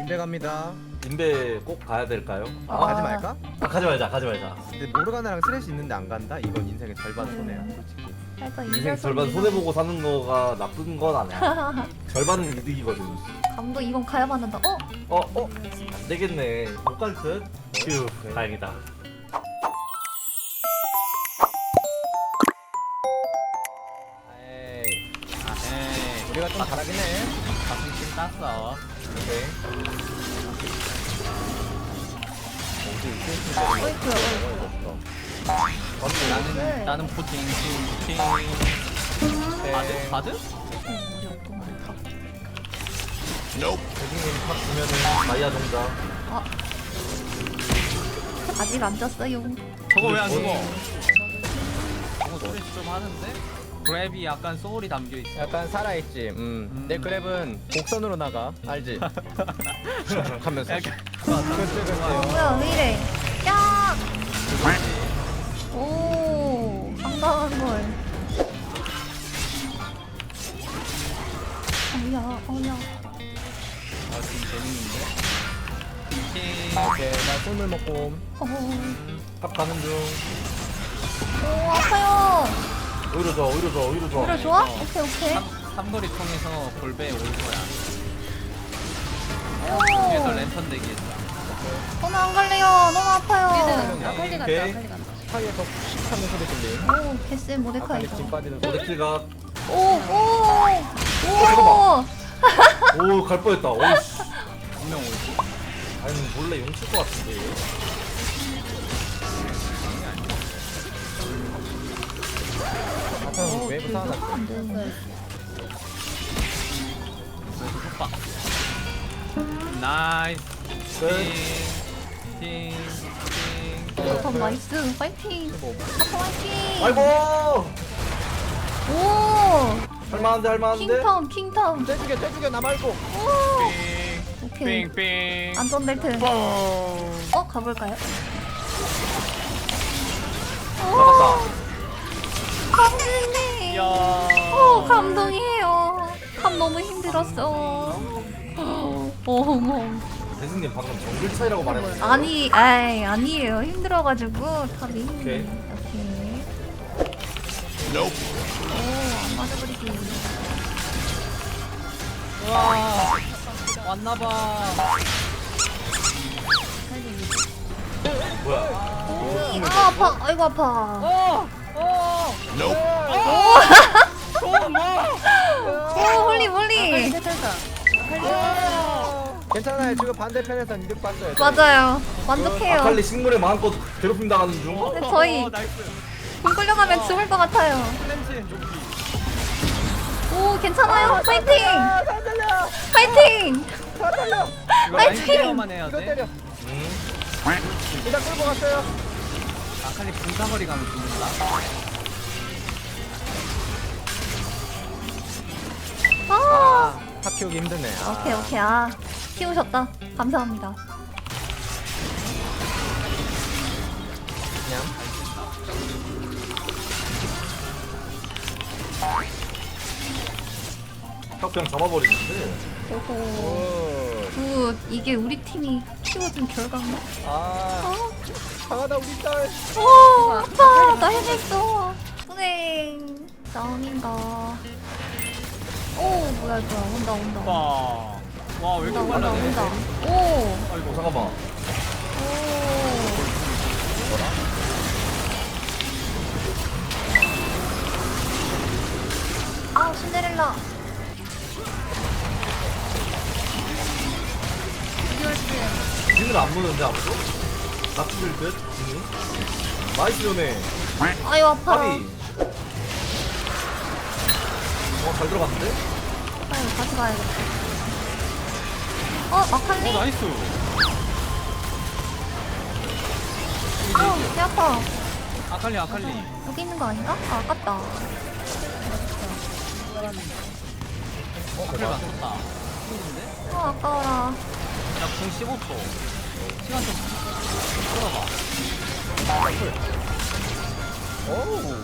인베 갑니다. 인베 꼭 가야 될까요? 가지 말까? 가지 말자, 가지 말자. 근데 모르가나랑 스레시 있는데 안 간다? 이건 인생의 절반 손해야 솔직히. 살짝 인생 절반 손해보고 사는 거가 나쁜 건 아니야. 절반은 이득이거든. 감독 이건 가야만 한다. 안 되겠네. 못 갈 듯? 휴, 다행이다. 에이, 에이 우리가 좀 잘하긴 해. 가슴 땄어. 오케이. 어디 포인트야. 나는 나는 포팅 포팅. 바드 바드? 우리 없구만. 다. 대중님 탑 주면은 마이아 정자. 아직 안 졌어요. 저거 왜 안 죽어? 뭐니? 저거 소리 좀 하는데? 그랩이 약간 소울이 담겨 있어. 약간 살아있지. 내 그랩은 곡선으로 나가. 알지? 하면서. 약간 그치. 뭐야 왜 이래? 야! 오, 상당한 걸. 어야. 아 지금 재밌는데. 오케이, 나 꿀물 먹고. 탑 가는 중. 오, 아파요. 오히려 좋아, 오히려 좋아, 오히려 좋아. 오히려 좋아? 오케이. 삼거리 통해서 골배에 올 거야. 오, 뒤에서 랜턴 대기했다. 저는 안 갈래요. 너무 아파요. 아칼리 간다. 오케이. 아칼리 간다. 사이에서 씩 하는 소리 들림. 오, 개쎄 아칼리 모데카이죠. 진 빠지는 소리. 오데킬가. 오. 오, 갈 뻔했다. 오이씨. 분명 올지. 아니, 몰래 용칠 것 같은데. 아까 웨이브 쌓아놨어. 그래서 속박. 나이스. 끝. 팅. 더 나이스. 파이팅. 아파 파이팅. 아이고! 오. 할만한데, 할만한데? 킹타운. 떼죽여, 나 말고. 오. 오케이. 빙빙. 안전벨트. 가볼까요? 나갔다. 감동이네. 야. 감동이에요. 감 너무 힘들었어. 어머. 대승님 방금 정글 차이라고 말해봤어. 아니에요. 힘들어가지고 탑이. 오케이. 오케이. 오, 안 맞아버리기. 와. 왔나봐. 뭐야? 아파. 아이고 아파. 오, 홀리. 괜찮아요. 지금 반대편에선 이득 봤어요. 맞아요. 만족해요. 아칼리 식물에 마음껏 괴롭힘 당하는 중. 근데 저희 나이스. 굴 끌려가면 죽을 것 같아요. 플랜치. 오, 괜찮아요. 파이팅. 파이팅. 이거 파이팅! 라인 케어만 해야 이거 돼. 때려. 음. 일단 끌고 갔어요. 아칼리 분사거리 가면 죽는다. 아, 탑 키우기 힘드네. 오케이. 키우셨다. 감사합니다. 그냥. 딱 그냥 잡아버리는데. 오호. 오. 굿. 이게 우리 팀이 키워준 결과인가? 아, 강하다 우리 딸. 오, 아파. 나 해냈어. 은행. 다운인가. 오, 뭐야. 온다. 와. 와, 왜 이렇게 온다. 빨라네. 오. 아이고, 잠깐만. 아, 신데렐라. 진을 안 무는데 아무도? 낙지들 듯? 진이? 나이스 연애. 아유, 아파. 파비. 잘 들어갔는데? 아유, 다시 가야겠다. 마칼리. 나이스. 아우, 배 아파. 아칼리. 여기 있는 거 아닌가? 아깝다. 아칼리 맞췄다. 힘든데? 아까워라. 야, 궁 15초. 시간 좀 끌어봐. 오.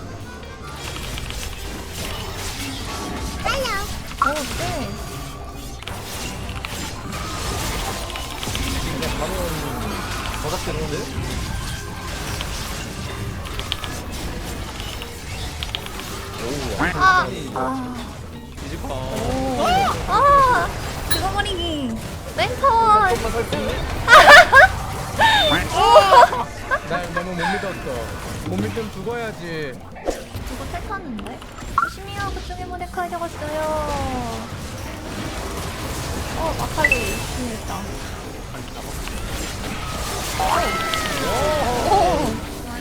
오, 네. 저작되는데? 아, 아니, 아, 뒤집어. 아, 죽어버리기. 랭카원. 조금만 살수 있네? 날 너무 못 믿었어. 못 믿으면 죽어야지. 이거 택하는데? 조심해요. 그쪽에 모데카이 적었어요. 마카리 있습니다. 오!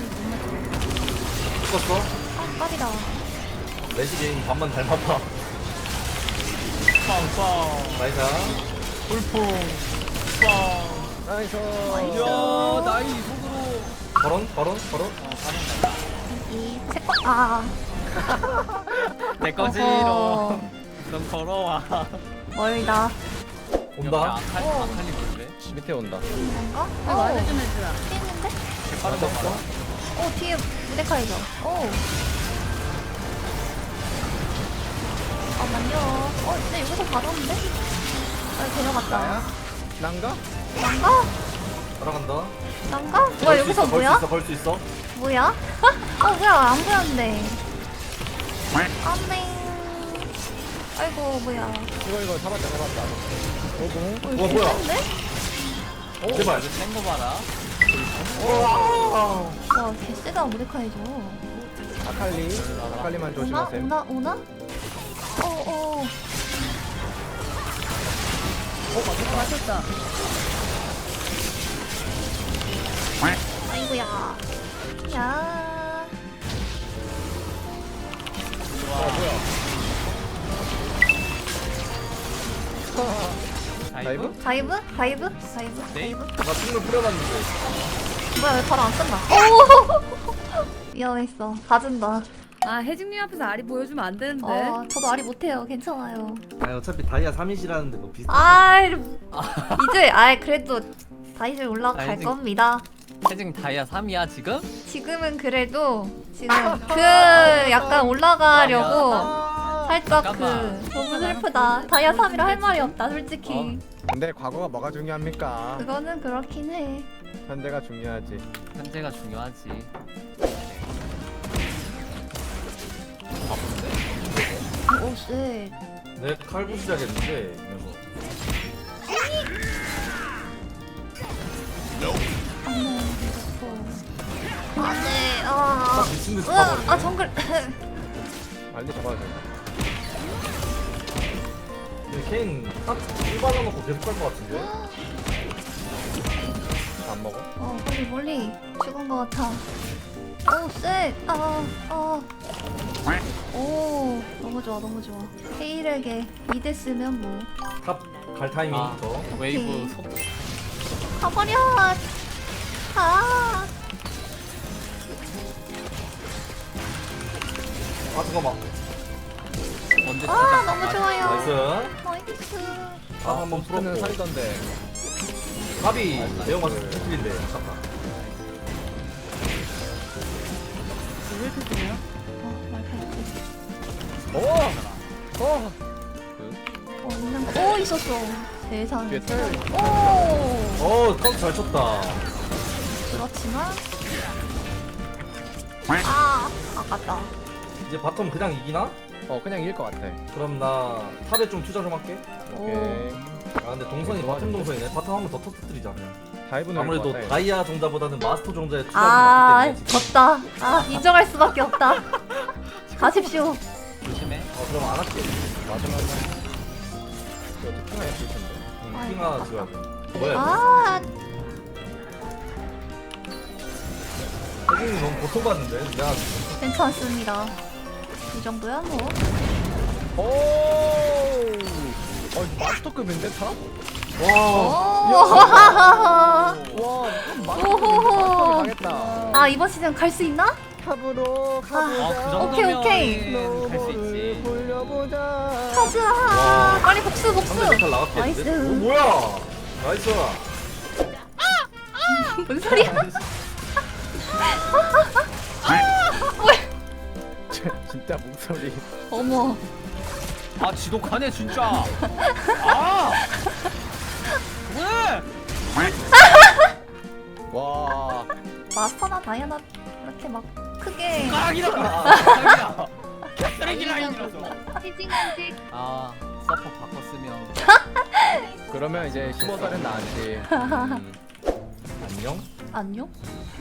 죽었어? 아, 깝이다. 레시게임 반만 닮았다. 빵빵. 나이스. 불풍. 빵. 나이스. 이야, 나이 속으로. 걸은? 이 색깔, 아. 내 거지, 어허. 넌 걸어와. 멀다. 온다. 아칼리 뭔데? 밑에 온다. 뭔가? 말을 좀 해주라. 뛰는데? 빠른 거 봐라. 뒤에 무데카이죠. 잠깐만요. 근데 여기서 받았는데? 데려갔다. 나야? 난가? 난가? 따라간다. 난가? 뭐야, 여기서 뭐야? 걸 수 있어. 뭐야? 뭐야, 안 보였는데. 안돼. 아이고, 뭐야. 이거 잡았다. 오공. 우와, 뭐야? 괜찮은데? 제발. 센거 봐라. 와, 개쎄다, 무데카이죠. 아칼리만 오나? 조심하세요. 오나? 맞췄다. 아이고야. 야. 다이브? 다이브? 네? 나 충분 뿌려봤는데. 뭐야, 왜 바로 안 쓴다? 오! 위험했어. 봐준다. 아 혜진님 앞에서 아리 보여주면 안 되는데. 저도 아리 못해요. 괜찮아요. 아니 어차피 다이아 3이시라는데 뭐 비슷해. 이제, 그래도 다이제 올라갈 아이지. 겁니다. 세징 다이아 3이야, 지금? 지금은 그래도, 지금 약간 올라가려고 살짝 잠깐만. 너무 슬프다. 다이아 3이라 할 말이 없다, 솔직히. 근데 과거가 뭐가 중요합니까? 그거는 그렇긴 해. 현재가 중요하지. 현재가 중요하지. 오, 쎄. 내 칼부 시작했는데. 안 돼. 미친 듯이 가버리네. 정글. 빨리 잡아야 돼. 근데 케인 딱 일반화놓고 계속 갈 것 같은데? 안 먹어? 멀리 죽은 것 같아. 오, 쎄. 오, 너무 좋아. 헤일에게 미드 쓰면 뭐. 탑 갈 타이밍 아, 저. 웨이브 오케이. 속. 가버려. 가. 잠깐만. 언제 너무 좋아요. 나이스. 나이스. 한번 부스트는 풀었고. 살던데. 갑이 내용 맞춰 풀린데. 아깝다. 왜 이렇게 좋냐? 있었어. 세상에. 뒤에 텔. 카운트 잘 쳤다. 그렇지만. 아깝다. 이제 바텀 그냥 이기나? 그냥 이길 것 같아. 그럼 나 탑에 좀 투자 좀 할게. 오케이. 아 근데 동선이 바텀 동선이네. 바텀 한 번 더 터뜨리자. 다이브는 아무래도 할것 같아. 다이아 종자보다는 마스터 종자에 투자가 많기 때문에. 졌다. 인정할 수밖에 없다. 가십시오. 조심해. 그럼 안 할게. 마지막에 이거 특징 할수 있을 텐데. 핑 하나 지어야 돼. 뭐야? 혜진이 너무 고통받는데? 내가 괜찮습니다. 이 정도야 뭐. 오. 마스터급인데 탑? 와. 와, 오호호. 마스터급 가겠다. 이번 시즌 갈 수 있나? 탑으로 가보자. 그 정도면 오케이. 갈수 있지. 돌려보자. 가자. 빨리 복수. 상대 메탈 나갔겠는데? 나이스. 오, 뭐야? 나이스. 뭔 소리야? 진짜 목소리. 어머. 지독하네, 진짜. 왜? 다이아나 그렇게 막 크게 숟가락이다. 쓰레기 라인이라서. 해징한테 아 서퍼 바꿨으면 그러면 이제 15살은 나았지. 안녕? 안녕?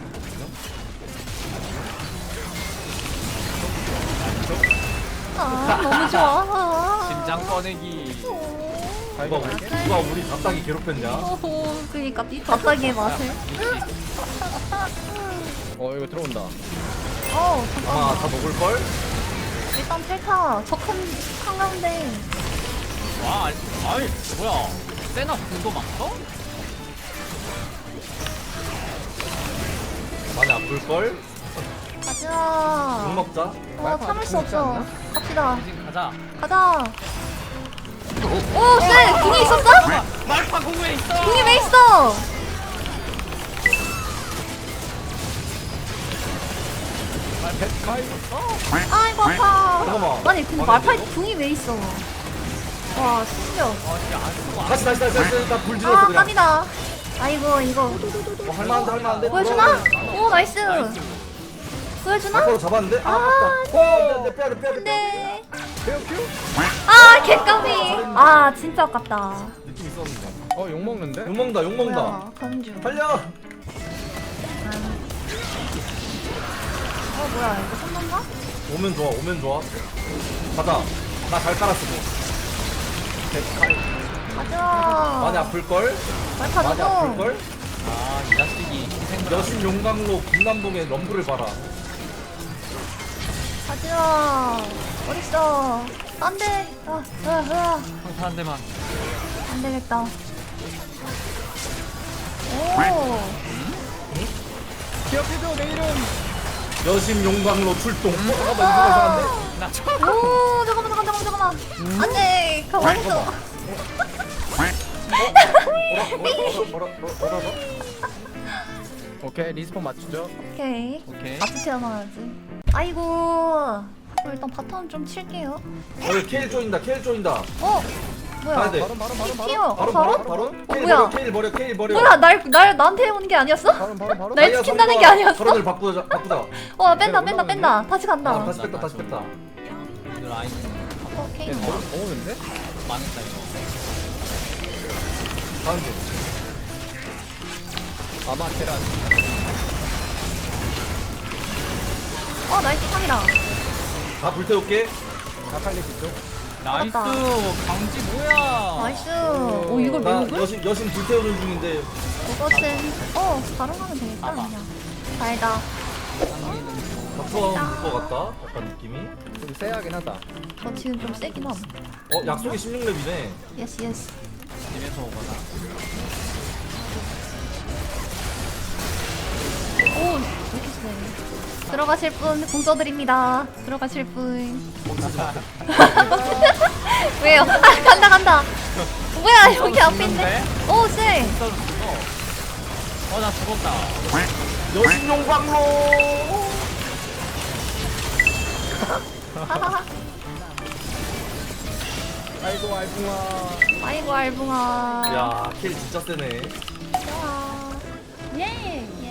아 너무 좋아. 심장 꺼내기. 누가 우리 답답이 괴롭혔냐? 오호 그니까 이 바닥의 맛을. 이거 들어온다. 어 아마 잠깐만. 다 먹을걸? 일단 펠타 저큰 한가운데. 와 아니 뭐야? 세나 궁도 막어? 많이 아플걸? 가자. 욕 먹자. 참을 수 없어. 갑시다. 지금 가자. 가자. 오, 쎄! 궁이 있었어? 말파 궁에 있어. 궁이 왜 있어? 아이고 아파. 잠깐만. 아니 근데 말파이 궁이 왜 있어? 와 신기해. 진짜 안 쓰고 안 다시 나불 질렀어 아 그냥. 깜이다. 아이고 이거 할만한데 보여주나? 오 나이스. 보여주나? 바로 잡았는데? 아 아깝다. 안돼 빼야 돼. 네. 페어큐? 아 개깜이. 아 진짜 아깝다. 느낌 있었는데. 욕 먹는데? 욕 먹는다 뭐야 가는 중. 달려. 뭐야 이거 선동가? 오면 좋아. 가자. 나 잘 깔았어. 가자. 많이 아플걸? 말파 많이 너도. 아플걸? 아이 자식이 희생을 여신 용광로 김남동의 럼블을 봐라. 가자. 어딨어? 안돼. 평타 한 대만. 안 되겠다. 오. 기억해줘 내 이름. 여신 용광로 출동. 잠깐만 이거 이상한데? 나 저. 오 잠깐만. 안돼. 가만히 있어. 뭐라? 오케이 리스폰 맞추죠. 오케이. 오케이. 같이 태어나야지. 아이고. 일단 바텀 좀 칠게요. 케일 조인다. 어? 뭐야? 가야 돼. 튀어. 바로? 바로? 뭐야? 케일 버려. 뭐야? 나한테 오는 게 아니었어? 바로. 날 지킨다는 게 아니었어? 서로들 바꾸자. 뺀다. 다시 간다. 다시 뺐다. 오늘 라인 오케이. 오는데? 망했다 이거. 다음 주. 아마테란. 나이스 탕이다. 다 불태울게. 아칼리 뒤쪽. 나이스 맞다. 강지 뭐야? 나이스. 오 이걸 나 왜 먹을? 여신 불태우는 중인데 이것은 바로 가면 되겠다 그냥. 달다. 바텀 볼것 같다. 약간 느낌이. 좀 세하긴 하다. 저 지금 좀 세긴 함. 약속이 16렙이네. 예스. 집에서 오거나. 오 이렇게 세. 들어가실 분 공써드립니다. 들어가실 분. 왜요? 간다. 뭐야 여기 앞에 있네. 오 쎄. 나 죽었다. 여신 용광로. 아이고 알붕아. 아이고 알붕아. 야, 킬 진짜 세네. 좋아. 예.